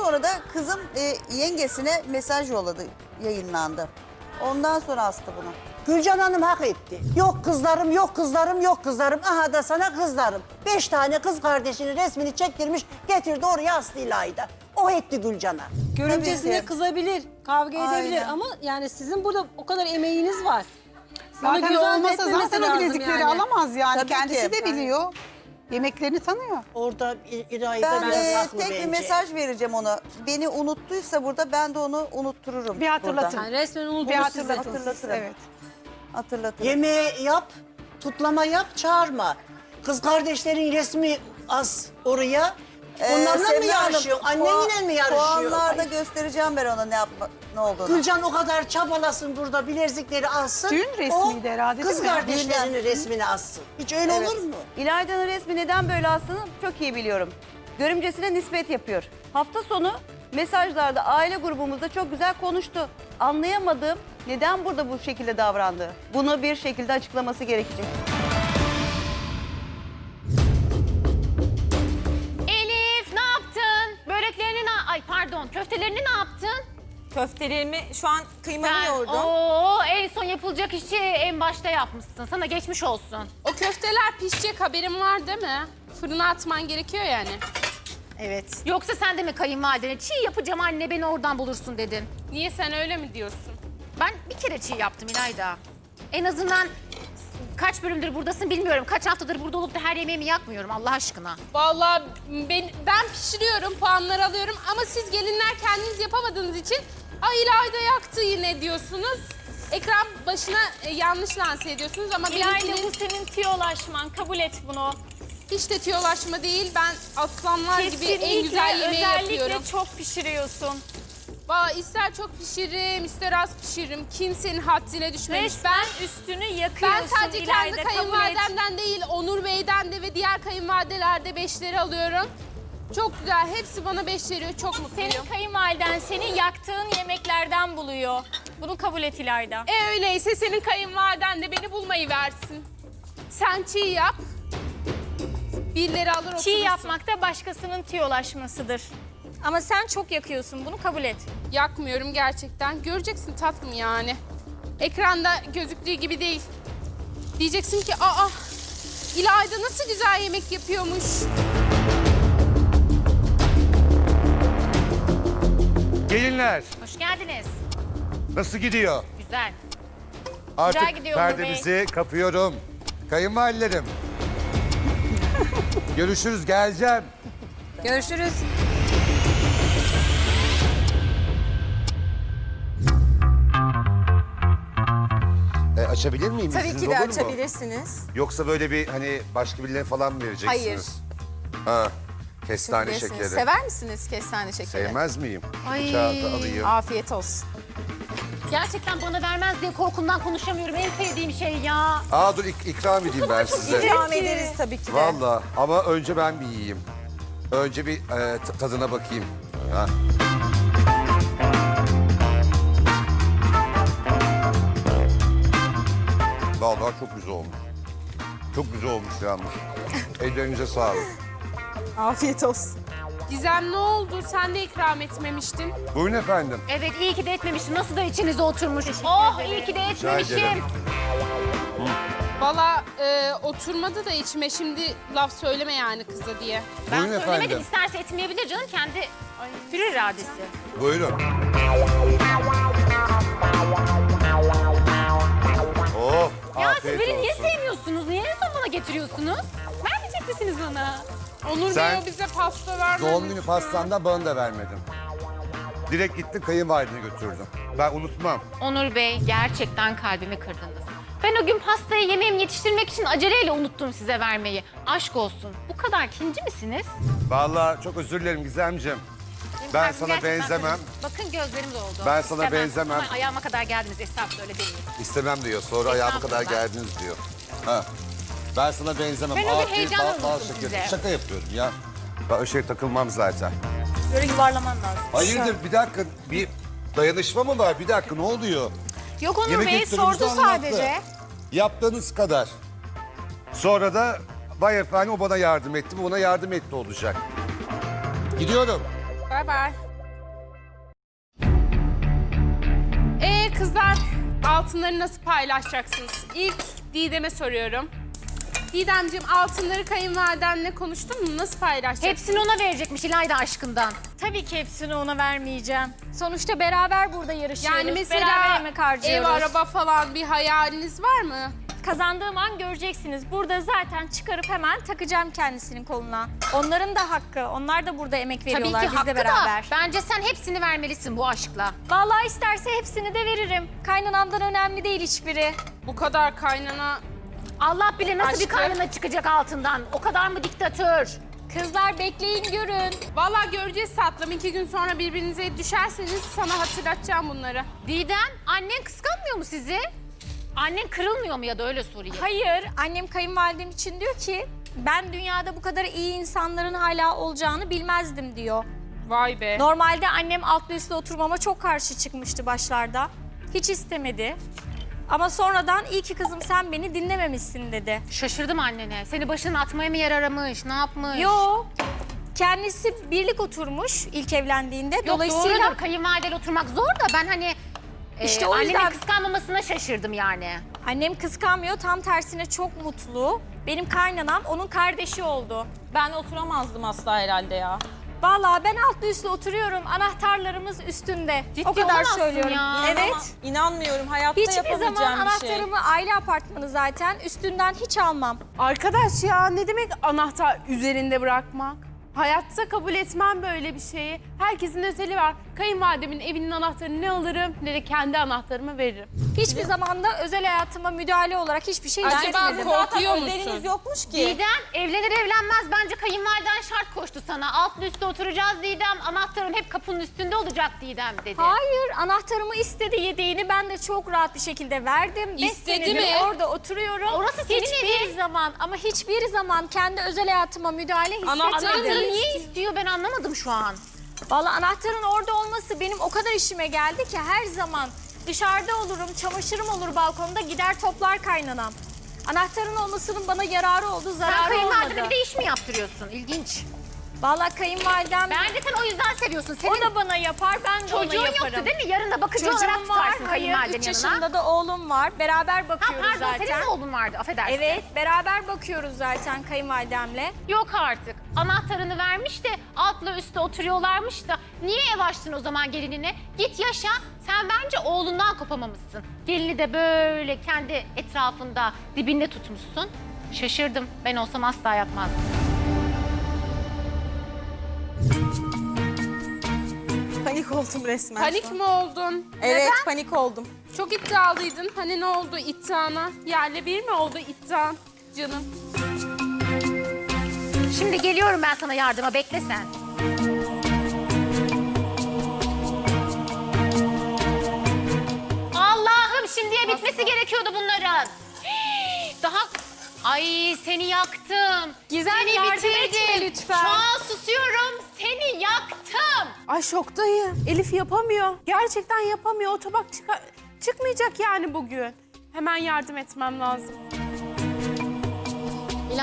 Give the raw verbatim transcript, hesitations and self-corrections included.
sonra da kızım e, yengesine mesaj yolladı, yayınlandı. Ondan sonra astı bunu. Gülcan Hanım hak etti. Yok kızlarım, yok kızlarım, yok kızlarım. Aha da sana kızlarım. Beş tane kız kardeşinin resmini çektirmiş, getirdi oraya astı İlayda. O etti Gülcan'a. Görümcesine ki. kızabilir, kavga Aynen. edebilir ama yani sizin burada o kadar emeğiniz var. Zaten göz ardı olmasa etmemesi zaten o lazım bilezikleri yani. alamaz yani. Tabii Kendisi ki. de biliyor. Yemeklerini tanıyor. Orada İ- İlayda Ben biraz e, haklı tek bence. bir mesaj vereceğim ona. Beni unuttuysa burada ben de onu unuttururum. Bir hatırlatın. Yani resmen Bir unutulmuş size. hatırlatın. Hatırlatırım. Evet. Hatırlatırım. Yemeği yap, tutlama yap, çağırma. Kız kardeşlerin resmi az oraya. Ee, Onlarla mı Semra Hanım, yarışıyor? Annenle puan- mi yarışıyor? Puanlarda Ay, göstereceğim ben ona ne yapma, ne olduğunu. Gülcan o kadar çabalasın burada bilezikleri alsın. Düğün resmiydi o herhalde, kız değil mi? kardeşlerinin Düğünden. resmini alsın. Hiç öyle Evet. olur mu? İlayda'nın resmi neden böyle astığını çok iyi biliyorum. Görümcesine nispet yapıyor. Hafta sonu mesajlarda aile grubumuzda çok güzel konuştu. Anlayamadığım neden burada bu şekilde davrandı. Bunu bir şekilde açıklaması gerekecek. Elif ne yaptın? Böreklerini ne... Ay pardon köftelerini ne yaptın? Köftelerimi şu an kıymalı Ben, yoğurdum. Oo, en son yapılacak işi en başta yapmışsın. Sana geçmiş olsun. O köfteler pişecek haberin var değil mi? Fırına atman gerekiyor yani. Evet. Yoksa sen de mi kayınvalidene çiğ yapacağım anne beni oradan bulursun dedin? Niye sen öyle mi diyorsun? Ben bir kere çiğ yaptım İlayda. En azından kaç bölümdür buradasın bilmiyorum. Kaç haftadır burada olup da her yemeğimi yakmıyorum Allah aşkına. Vallahi ben, ben pişiriyorum, puanlar alıyorum ama siz gelinler kendiniz yapamadığınız için ay İlayda yaktı yine diyorsunuz. Ekran başına e, yanlış lanse ediyorsunuz ama İlayda benimkinin bu senin tiyolaşman. Kabul et bunu. hiç de tiyolaşma değil. Ben aslanlar gibi en güzel yemeği özellikle yapıyorum. çok pişiriyorsun. Vallahi ister çok pişiririm, ister az pişiririm. Kimsenin haddine düşmemiş. Resmen Ben üstünü yakıyorsun Ben sadece kendi İlayda, kabul et. kayınvalidemden değil, Onur Bey'den de ve diğer kayınvalidelerde beşleri alıyorum. Çok güzel, hepsi bana beş veriyor, çok mutluyum. Senin kayınvaliden seni yaktığın yemeklerden buluyor. Bunu kabul et İlayda. E öyleyse senin kayınvaliden de beni bulmayı versin. Sen çiğ yap, birileri alır oturursun. Çiğ yapmak da başkasının tiyolaşmasıdır. Ama sen çok yakıyorsun, bunu kabul et. Yakmıyorum gerçekten, göreceksin tatlım yani. Ekranda gözüktüğü gibi değil. Diyeceksin ki, aa İlayda nasıl güzel yemek yapıyormuş. Gelinler, Hoş geldiniz. nasıl gidiyor? Güzel. Artık gidiyor Onur perdemizi kapıyorum. Kayınvalilerim. Görüşürüz, geleceğim. Görüşürüz. E, açabilir miyim? Tabii İzniniz ki de olur mu? açabilirsiniz. Yoksa böyle bir hani başka birilerine falan mı vereceksiniz? Hayır. Ha, kestane Bilirsiniz. şekeri. Sever misiniz kestane şekeri? Sevmez miyim? Ay. Bıçağı da alayım. Afiyet olsun. Gerçekten bana vermez diye korkumdan konuşamıyorum. En sevdiğim şey ya. Aa dur ik- ikram edeyim ben size. İkram ederiz tabii ki de. Vallahi ama önce ben bir yiyeyim. Önce bir e, t- tadına bakayım. Ha. Vallahi çok güzel olmuş. Çok güzel olmuş yalnız. Ellerinize sağlık. Afiyet olsun. Gizem ne oldu? Sen de ikram etmemiştin. Buyurun efendim. Evet iyi ki de etmemişim. Nasıl da içinize oturmuş. Oh iyi ki de ederim. etmemişim. Valla e, oturmadı da içime şimdi laf söyleme yani kıza diye. Ben Buyurun söylemedim. efendim. İsterse etmeyebilir canım. Kendi hür iradesi. Buyurun. Oh, Ya siz afiyet beni niye olsun. sevmiyorsunuz? Niye en son bana getiriyorsunuz? Vermeyecek misiniz bana? Onur Sen Bey o bize pasta vermedi. Doğum günü pastandan bana da vermedin. Direkt gittin kayınvalidene götürdün. Ben unutmam. Onur Bey gerçekten kalbimi kırdınız. Ben o gün pastayı yemeğimi yetiştirmek için aceleyle unuttum size vermeyi. Aşk olsun. Bu kadar kinci misiniz? Vallahi çok özür dilerim Gizemciğim. Ben Kalbim sana gerçekten benzemem. kırıldı. Bakın gözlerim doldu. Ben sana benzemem. Ama ayağıma kadar geldiniz. Estağfurullah öyle demeyin. İstemem diyor. Sonra ayağıma kadar Estağfurullah. geldiniz diyor. Ha. Ben sana benzemem. Ben o gün Afiyet, heyecanla bal- bal unuttum şekeri. size. Şaka yapıyorum ya. Ben o şey takılmam zaten. Böyle yuvarlaman lazım. Hayırdır bir dakika bir dayanışma mı var? Bir dakika ne oluyor? Yok Onur Yemek Bey kültürümüzü sordu anlattı. sadece. Yaptığınız kadar. Sonra da vay efendim o bana yardım etti, bu ona yardım etti olacak. Gidiyorum. Bay bay. altınları nasıl paylaşacaksınız? İlk Didem'e soruyorum. Didemciğim altınları kayınvalidenle konuştun mu? Nasıl paylaşacaksın? Hepsini ona verecekmiş İlayda aşkından. Tabii ki hepsini ona vermeyeceğim. Sonuçta beraber burada yarışıyoruz. Yani beraber mesela emek ev, harcıyoruz. araba falan bir hayaliniz var mı? Kazandığım an göreceksiniz. Burada zaten çıkarıp hemen takacağım kendisinin koluna. Onların da hakkı. Onlar da burada emek Tabii veriyorlar ki bizle hakkı beraber. da bence sen hepsini vermelisin bu aşkla. Vallahi isterse hepsini de veririm. Kaynanamdan önemli değil hiçbiri. Bu kadar kaynana... Allah bilir nasıl bir Aşkım. kaynana çıkacak altından. O kadar mı diktatör? Kızlar bekleyin görün. Vallahi göreceğiz tatlım. İki gün sonra birbirinize düşerseniz sana hatırlatacağım bunları. Didem, annen kıskanmıyor mu sizi? Annen kırılmıyor mu ya da öyle sorayım. Hayır, annem kayınvalidem için diyor ki ben dünyada bu kadar iyi insanların hala olacağını bilmezdim diyor. Vay be. Normalde annem altlı üstlü oturmama çok karşı çıkmıştı başlarda. Hiç istemedi. Ama sonradan iyi ki kızım sen beni dinlememişsin dedi. Şaşırdım annene. Seni başına atmaya mı yer aramış? Ne yapmış? Yo, kendisi birlik oturmuş ilk evlendiğinde. Yok Dolayısıyla doğrudur. Kayınvalideyle oturmak zor da ben hani... İşte e, o annenin yüzden- kıskanmamasına şaşırdım yani. annem kıskanmıyor, tam tersine çok mutlu. Benim kaynanam onun kardeşi oldu. Ben oturamazdım asla herhalde ya. Vallahi ben altlı üstlü oturuyorum. Anahtarlarımız üstünde. Ciddi o kadar olamazsın söylüyorum. ya. Evet. İnanmıyorum. Hayatta Hiçbir yapabileceğim zaman bir şey. anahtarımı aile apartmanı zaten üstünden hiç almam. Arkadaş ya ne demek anahtar üzerinde bırakmak? Hayatta kabul etmem böyle bir şeyi. Herkesin özeli var. Kayınvalidemin evinin anahtarını ne alırım ne de kendi anahtarımı veririm. Hiçbir zaman da özel hayatıma müdahale olarak hiçbir şey Acaba hissetmedim. bu- Korkuyor musun? özeliniz yokmuş ki. Didem evlenir evlenmez bence kayınvaliden şart koştu sana. Altlı üstte oturacağız Didem. Anahtarım hep kapının üstünde olacak Didem dedi. Hayır, anahtarımı istedi yedeğini ben de çok rahat bir şekilde verdim. Beş İstedi senedir mi? orada oturuyorum. Orası senin hiçbir evin. zaman ama hiçbir zaman kendi özel hayatıma müdahale Anahtarı Anahtarı hissetmedim. niye istiyor ben anlamadım şu an. Vallahi anahtarın orada olması benim o kadar işime geldi ki her zaman dışarıda olurum, çamaşırım olur balkonda gider toplar kaynanam. Anahtarın olmasının bana yararı oldu, Sen zararı kayınvalidene olmadı. bir de iş mi yaptırıyorsun? İlginç. Vallahi kayınvalidem Bence sen o yüzden seviyorsun. Senin o da bana yapar, ben de ona çocuğun yaparım. yoktu değil mi? Yarın da bakıcı olarak Çocuğum var, tutarsın hayır, kayınvalidenin üç yanına. yaşında da oğlum var. Beraber Ha bakıyoruz pardon zaten. senin de oğlun vardı affedersin. Evet, beraber bakıyoruz zaten kayınvalidemle. Yok artık. Anahtarını vermiş de altla üstte oturuyorlarmış da niye ev açtın o zaman gelinine? Git yaşa. Sen bence oğlundan kopamamışsın. Gelini de böyle kendi etrafında dibinde tutmuşsun. Şaşırdım. Ben olsam asla yapmazdım. Panik oldum resmen. Panik mi oldun? Evet, panik oldum. Çok iddialıydın. Hani ne oldu iddiana? Yerle bir mi oldu iddian canım? Şimdi geliyorum ben sana yardıma. Bekle sen. Allah'ım şimdiye bitmesi gerekiyordu bunların. Daha... Ay seni yaktım. Gizem, seni yardım bitirdim. etme lütfen. Şu an susuyorum. Seni yaktım. Ay şoktayım. Elif yapamıyor. Gerçekten yapamıyor. O tabak çıka- çıkmayacak yani bugün. Hemen yardım etmem lazım.